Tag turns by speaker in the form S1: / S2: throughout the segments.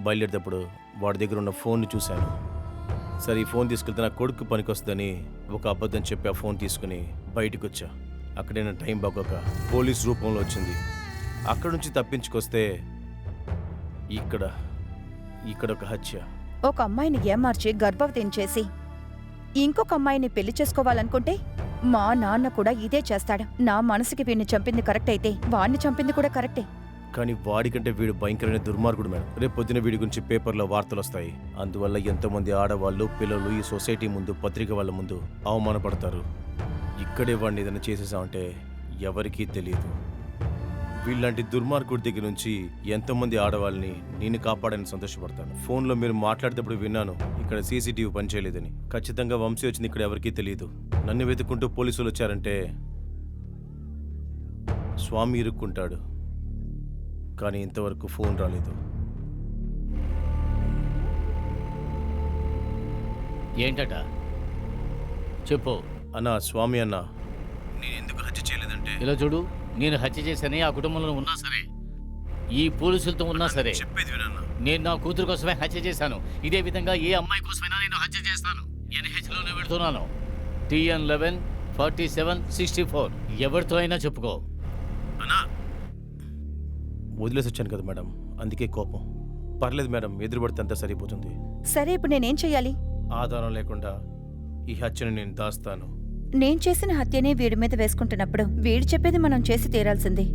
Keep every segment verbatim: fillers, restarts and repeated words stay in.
S1: బయలుదేరేటప్పుడు వాడి దగ్గర ఉన్న ఫోన్ని చూశాను. సరే ఈ ఫోన్ తీసుకెళ్తే నా కొడుకు పనికొస్తుందని ఒక అబద్ధం చెప్పి ఆ ఫోన్ తీసుకుని బయటకు వచ్చా. అక్కడే నా టైం బాగోక పోలీస్ రూపంలో వచ్చింది. అక్కడ నుంచి తప్పించుకొస్తే ఇక్కడ ఇక్కడ ఒక హత్య.
S2: ఒక అమ్మాయిని ఏమార్చి గర్భవతిని చేసి ఇంకొక అమ్మాయిని పెళ్లి చేసుకోవాలనుకుంటే మా నాన్న కూడా ఇదే చేస్తాడు. నా మనసుకి వీడిని చంపింది కరెక్ట్ అయితే వాడిని చంపింది కూడా కరెక్టే.
S1: కానీ వాడికంటే వీడు భయంకరమైన దుర్మార్గుడు మేడం. రేపు పొద్దున వీడి గురించి పేపర్లో వార్తలు వస్తాయి. అందువల్ల ఎంతోమంది ఆడవాళ్ళు పిల్లలు ఈ సొసైటీ ముందు పత్రిక వాళ్ళ ముందు అవమానపడతారు. ఇక్కడే వాడిని ఏదైనా చేసేసామంటే ఎవరికీ తెలియదు. వీళ్ళంటి దుర్మార్గుడి దగ్గర నుంచి ఎంతోమంది ఆడవాళ్ళని నేను కాపాడని సంతోషపడతాను. ఫోన్లో మీరు మాట్లాడేటప్పుడు విన్నాను ఇక్కడ సీసీటీవీ పనిచేయలేదని. ఖచ్చితంగా వంశీ వచ్చింది ఇక్కడ ఎవరికీ తెలియదు. నన్ను వెతుక్కుంటూ పోలీసులు వచ్చారంటే స్వామి ఇరుక్కుంటాడు. కానీ ఇంతవరకు ఫోన్ రాలేదు.
S3: ఏంటట చెప్పు
S1: అన్నా. స్వామి అన్నా, నేను ఎందుకు హత్య చేయలేదంటే
S3: ఇలా చూడు, నేను హత్య చేశానే ఆ కుటుంబంలో ఉన్నా సరే, ఈ పోలీసులతో ఉన్నా సరే,
S1: చెప్పేది వినన్నా.
S3: నేను నా కూతురు కోసమే హత్య చేశాను. ఇదే విధంగా ఏ అమ్మాయి కోసమైనా నేను హత్య చేస్తాను. ఎన్హెచ్లోనే పెడుతున్నాను. TN eleven forty seven sixty four ఎవరితో అయినా చెప్పుకో.
S1: అన్నా వదిలేసి వచ్చాను కదా మేడం, అందుకే కోపం. పర్లేదు మేడం, ఎదురుపడితే అంతా సరిపోతుంది.
S2: సరే ఇప్పుడు నేనేం చెయ్యాలి?
S1: ఆధారం లేకుండా ఈ హత్యను నేను దాస్తాను.
S2: నేను చేసిన హత్యనే వీడి మీద వేసుకుంటున్నప్పుడు వీడు చెప్పేది మనం చేసి తీరాల్సిందే.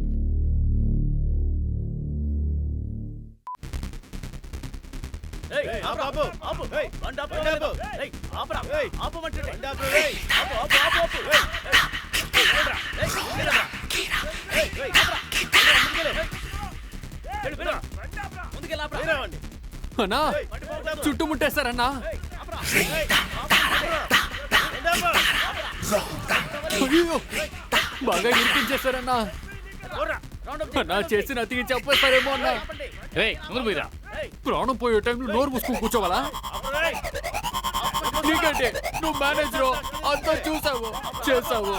S4: అన్నా చుట్టుముట్టేశారన్నా. అయ్యో బాగా ఇరికించేశారన్నా. అన్నా చేసిన అతికి చెప్పేస్తారేమో అన్నా. ప్రాణం పోయే టైంలో నోరు మూసుకుని కూర్చోవాలా? నీకంటే నువ్వు మేనేజర్ అంతా చూసావు చేసావు.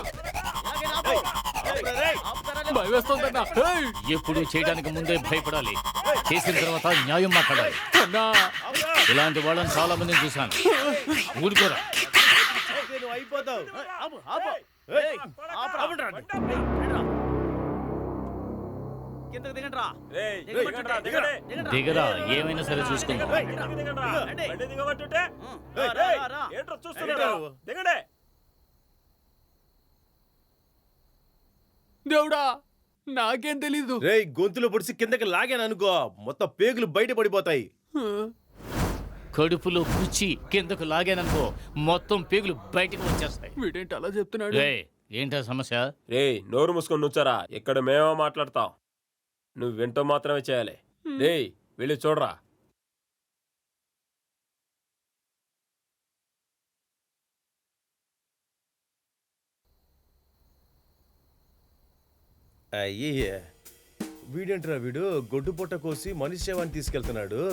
S4: భయం వేస్తుందన్నా.
S3: ఎప్పుడు చేయడానికి ముందే భయపడాలి, చేసిన తర్వాత న్యాయం మాట్లాడాలి.
S4: అన్నా
S3: ఇలాంటి వాళ్ళని చాలా మందిని చూశాను. ఊరుకోరా. దిగరా, ఏమైనా సరే చూసుకుందాం.
S4: దేవుడా నాకేం తెలీదు.
S1: రే గొంతులో పొడిసి కిందకి లాగాను అనుకో, మొత్తం పేగులు బయట పడిపోతాయి.
S3: కడుపులో కుచ్చి కిందకు లాగాననుకో మొత్తం పేగులు బయటకు వచ్చేస్తాయి.
S4: వీడేంటి అలా చెప్తున్నాడు?
S3: రే ఏంటా సమస్య?
S5: రే నోరు మూసుకొని నుంచారా, ఇక్కడ మేమో మాట్లాడతాం, నువ్వు వింటూ మాత్రమే చేయాలి. రే వెళ్ళి చూడరా.
S1: అయ్యే వీడేంట్రా వీడు గొడ్డు పొట్ట కోసి మనిషి శవాన్ని తీసుకెళ్తున్నాడు.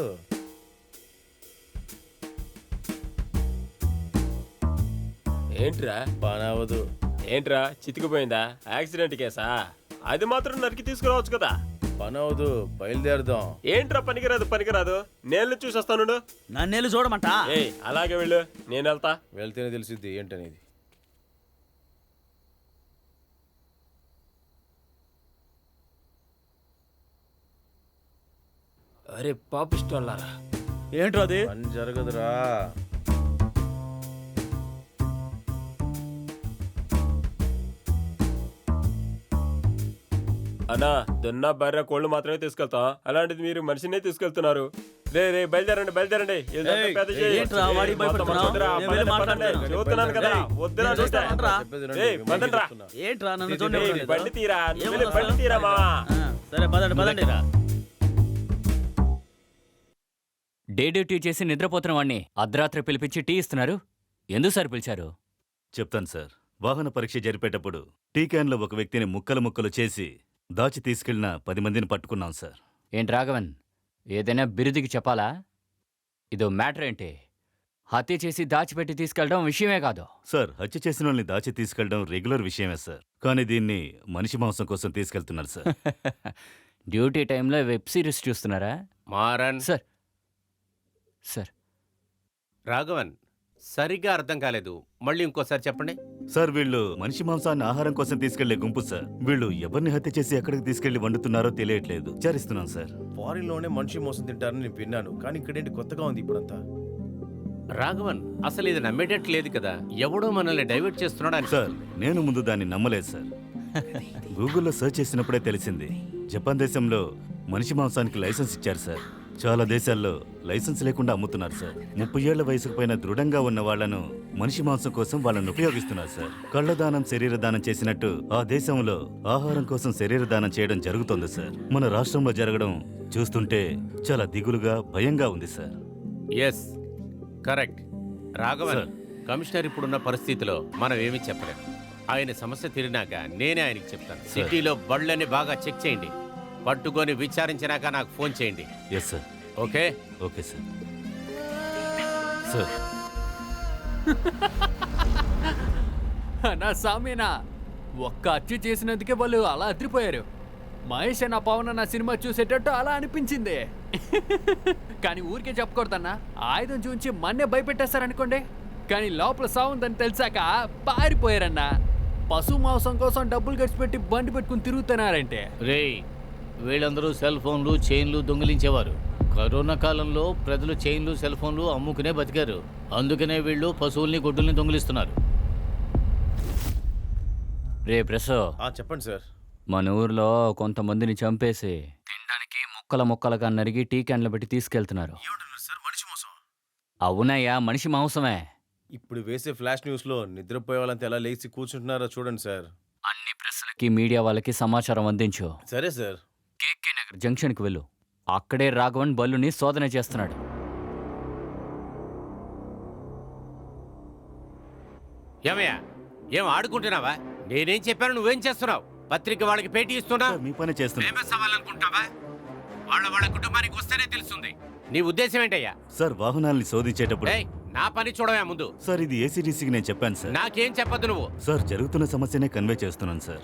S5: ఏంట్రా
S1: పనవదు.
S5: ఏంట్రా చితికిపోయిందా? యాక్సిడెంట్ కేసా? అది మాత్రం నరికి తీసుకురావచ్చు కదా.
S1: పనవదు, బయలుదేరదాం.
S5: ఏంట్రా పనికిరాదు పనికిరాదు, నేను చూసి వస్తాను.
S6: నన్నేళ్ళు చూడమంట.
S5: ఏ అలాగే వెళ్ళు, నేను వెళ్తా.
S1: వెళ్తేనే తెలిసిద్ది ఏంటనేది.
S5: అరే పాపిష్టోళ్ళారా,
S6: ఏంట్రా అది?
S1: పని జరగదురా.
S5: అన్నా దున్న బర్రె కోళ్ళు మాత్రమే తీసుకెళ్తాం, అలాంటిది మీరు మనిషినే తీసుకెళ్తున్నారు. రే రే బయలుదేరండి బయలుదేరండి.
S6: ఏంట్రా వాడి భయపడుతున్నావు? నేను వెళ్ళి మాట్లాడతాను.
S5: చూస్తున్నాను కదా, వద్దురా చూస్తా.
S6: ఏంట్రా నన్ను చూడండి.
S5: బండి తీరా, బండి తీరా మావా.
S6: సరే పదండి పదండి.
S7: డే డ్యూటీ చేసి నిద్రపోతున్న వాడిని అర్ధరాత్రి పిలిపించి టీ ఇస్తున్నారు. ఎందుకు సార్ పిలిచారు?
S8: చెప్తాను సార్. వాహన పరీక్ష జరిపేటప్పుడు టీ క్యాన్లో ఒక వ్యక్తిని ముక్కలు ముక్కలు చేసి దాచి తీసుకెళ్లిన పది మందిని పట్టుకున్నాం సార్.
S7: ఏంటి రాఘవన్, ఏదైనా బిరుదికి చెప్పాలా? ఇదో మ్యాటర్ ఏంటి? హత్య చేసి దాచిపెట్టి తీసుకెళ్ళడం విషయమే కాదు
S8: సార్. హత్య చేసిన వాళ్ళని దాచి తీసుకెళ్లడం రెగ్యులర్ విషయమే సార్, కానీ దీన్ని మనిషి మాంసం కోసం తీసుకెళ్తున్నారు సార్.
S7: డ్యూటీ టైంలో వెబ్ సిరీస్ చూస్తున్నారా?
S1: మారన్
S7: సార్ సార్
S9: రాఘవన్ సరిగ్గా అర్థం కాలేదు, మళ్ళీ ఇంకోసారి చెప్పండి.
S8: సార్ వీళ్ళు మనిషి మాంసాన్ని ఆహారం కోసం తీసుకెళ్లే గుంపు సార్. వీళ్ళు ఎవరిని హత్య చేసి ఎక్కడికి తీసుకెళ్లి వండుతున్నారో తెలియట్లేదు. విచారిస్తున్నాం సార్.
S1: ఫారిన్ లోనే మనిషి మోసం తింటారని నేను విన్నాను, కానీ ఇక్కడేంటి కొత్తగా ఉంది ఇప్పుడంతా.
S9: రాఘవన్ అసలు ఇది నమ్మేటట్టు లేదు కదా, ఎవడో మనల్ని డైవర్ట్ చేస్తున్నాడు అని.
S8: సార్ నేను ముందు దాన్ని నమ్మలేదు సార్. గూగుల్లో సెర్చ్ చేసినప్పుడే తెలిసింది. జపాన్ దేశంలో మనిషి మాంసానికి లైసెన్స్ ఇచ్చారు సార్. చాలా దేశాల్లో లైసెన్స్ లేకుండా అమ్ముతున్నారు సార్. ముప్పై ఏళ్ల వయసుకు పైన దృఢంగా ఉన్న వాళ్లను మనిషి మాంసం కోసం వాళ్ళని ఉపయోగిస్తున్నారు సార్. కళ్ళదానం శరీర దానం చేసినట్టు ఆ దేశంలో ఆహారం కోసం శరీర దానం చేయడం జరుగుతోంది సార్. మన రాష్ట్రంలో జరగడం చూస్తుంటే చాలా దిగులుగా భయంగా ఉంది sir.
S9: Yes correct Raghavan.
S8: Sir.
S9: Commissioner ఇప్పుడున్న పరిస్థితిలో మనం ఏమీ చెప్పలేం. ఆయన సమస్య తీరినాక నేనే ఆయనకి చెప్తాను. సిటీలో బళ్ళని బాగా చెక్ చేయండి, పట్టుకొని విచారించినాక నాకు ఫోన్ చేయండి.
S8: Yes sir.
S9: Okay
S8: okay sir. Sir
S4: నా సామీనా ఒక్క హత్య చేసినందుకే వాళ్ళు అలా అదిరిపోయారు. మహేష్ అన్న పవన్ అన్న సినిమా చూసేటట్టు అలా అనిపించింది. కానీ ఊరికే చెప్పకూడదన్నా, ఆయుధం చూంచి మన్నే భయపెట్టేస్తారనుకోండి. కానీ లోపల సాగుందని తెలిసాక పారిపోయారన్నా. పశు మాంసం కోసం డబ్బులు ఖర్చు పెట్టి బండి పెట్టుకుని తిరుగుతున్నారంటే.
S3: రే వీళ్ళందరూ సెల్ ఫోన్లు చైన్లు దొంగిలించేవారు. కరోనా కాలంలో ప్రజలు చైన్లు సెల్ ఫోన్లు అమ్ముకునే బతికారు. అందుకనే వీళ్ళు పశువుల్ని గొడ్డుల్ని దొంగిలిస్తున్నారు.
S7: రే ప్రెసో,
S1: ఆ చెప్పండి సార్.
S7: మన ఊర్లో కొంతమందిని చంపేసి తినడానికి ముక్కల ముక్కలుగా నరిగి టీ క్యాన్లు పెట్టి తీసుకెళ్తున్నారు.
S1: సార్ మనిషి మోసం.
S7: అవునయ్యా, మనిషి మాంసమే.
S1: ఇప్పుడు వేసే ఫ్లాష్ న్యూస్ లో నిద్రపోయే వాళ్ళంతా ఎలా లేచి కూర్చుంటున్నారో చూడండి సార్.
S7: అన్ని ప్రెస్లకి మీడియా వాళ్ళకి సమాచారం అందించు.
S1: సరే సార్.
S7: కేకే నగర్ జంక్షన్కి వెళ్ళు. అక్కడే రాఘవన్ బల్లుని శోధన చేస్తున్నాడు.
S9: ఏమయ్యా ఏం ఆడుకుంటున్నావా? నేనేం చెప్పాను నువ్వేం చేస్తున్నావు? పత్రిక వాళ్ళకి పేటీ ఇస్తున్నా,
S8: సార్, మీ పని చేస్తున్నా.
S9: ఫేమస్ అవ్వాలనుకుంటావా? వాళ్ళ వాళ్ళ కుటుంబానికి వస్తేనే తెలుస్తుంది. నీ ఉద్దేశం ఏంటయ్యా?
S8: సార్ వాహనాల్ని శోధించేటప్పుడు
S9: ఏయ్, నా పని చూడవా ముందు.
S8: సార్ ఇది ఏసీడీసీకి నేను చెప్పాను సార్.
S9: నాకేం చెప్పొద్దు నువ్వు.
S8: సార్ జరుగుతున్న సమస్యనే కన్వే చేస్తున్నాను సార్.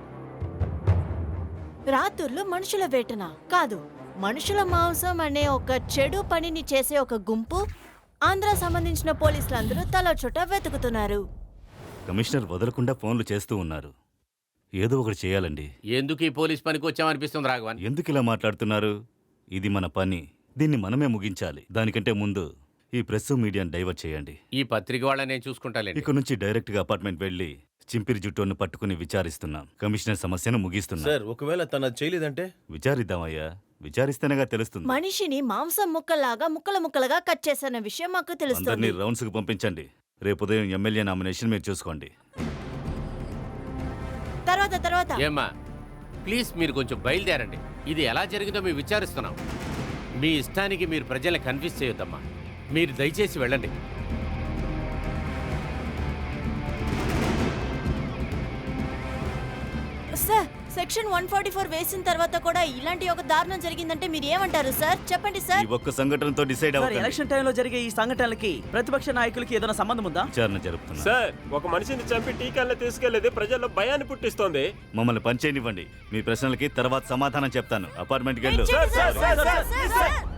S10: రాత్రులు మనుషుల వేటన కాదు, మనుషుల మాంసం అనే ఒక చెడు పనిని చేసే ఒక గుంపు ఆంధ్ర సంబంధించిన పోలీసులందరూ తల చుట్ట వెతుకుతున్నారు.
S8: కమిషనర్ వదలకుండా ఫోన్లు చేస్తూ ఉన్నారు. ఏదో ఒకటి చేయాలండి.
S9: ఎందుకు ఈ పోలీస్ పనికి వచ్చామనిపిస్తుంది రాఘవన్.
S8: ఎందుకు ఇలా మాట్లాడుతున్నారు? ఇది మన పని, దీన్ని మనమే ముగించాలి. దానికంటే ముందు ఈ ప్రెస్ మీడియాని డైవర్ట్ చేయండి.
S9: ఈ పత్రిక వాళ్ళని నేను చూసుకుంటాలేండి.
S8: ఇక నుంచి డైరెక్ట్ గా అపార్ట్మెంట్ వెళ్లి చింపిరి జుట్టును పట్టుకుని విచారిస్తున్నాం. కమిషనర్ సమస్యను ముగిస్తున్నాం.
S1: సార్ ఒకవేళ తన చేయలేదంటే?
S8: విచారిద్దామయ్యా, విచారిస్తేనేగా తెలుస్తుంది.
S10: మనిషిని మాంసం ముక్కలాగా ముక్కల ముక్కలుగా కట్ చేసిన విషయం మాకు
S8: అందరినీ
S10: తెలుస్తుంది.
S8: రౌండ్స్ కు పంపించండి. రేపు ఉదయం ఎమ్మెల్యే నామినేషన్ మీరు చూసుకోండి.
S10: తర్వాత తర్వాత
S9: ఏమ్మా ప్లీజ్ మీరు కొంచెం బయలుదేరండి. ఇది ఎలా జరిగిందో మేము విచారిస్తున్నాం. మీ ఇష్టానికి మీరు ప్రజల్ని కన్ఫ్యూజ్ చేయొద్దమ్మా. మీరు దయచేసి వెళ్ళండి.
S10: Sir, section one forty four వేసిన తర్వాత కూడా ఇలాంటి ఒక దారుణం జరిగిందంటే మీరు ఏమంటారు సార్? చెప్పండి
S8: ఈ
S10: సార్.
S8: ఒక్క సంఘటనతో డిసైడ్
S6: సార్
S8: అవ్వకండి.
S6: ఎలక్షన్ టైంలో జరిగే ఈ సంఘటనలకి ప్రతిపక్ష నాయకులకి ఏదైనా సంబంధం ఉందా?
S8: విచారణ జరుపుతున్నా.
S5: సార్ ఒక మనిషిని చంపి టీకాలను తీసుకెళ్లేది ప్రజల్లో భయాన్ని పుట్టిస్తోంది.
S8: మమ్మల్ని పనిచేయనివ్వండి. మీ ప్రశ్నలకి తర్వాత సమాధానం చెప్తాను. అపార్ట్మెంట్కి వెళ్ళు.
S10: Sir, sir, sir, sir, sir, sir.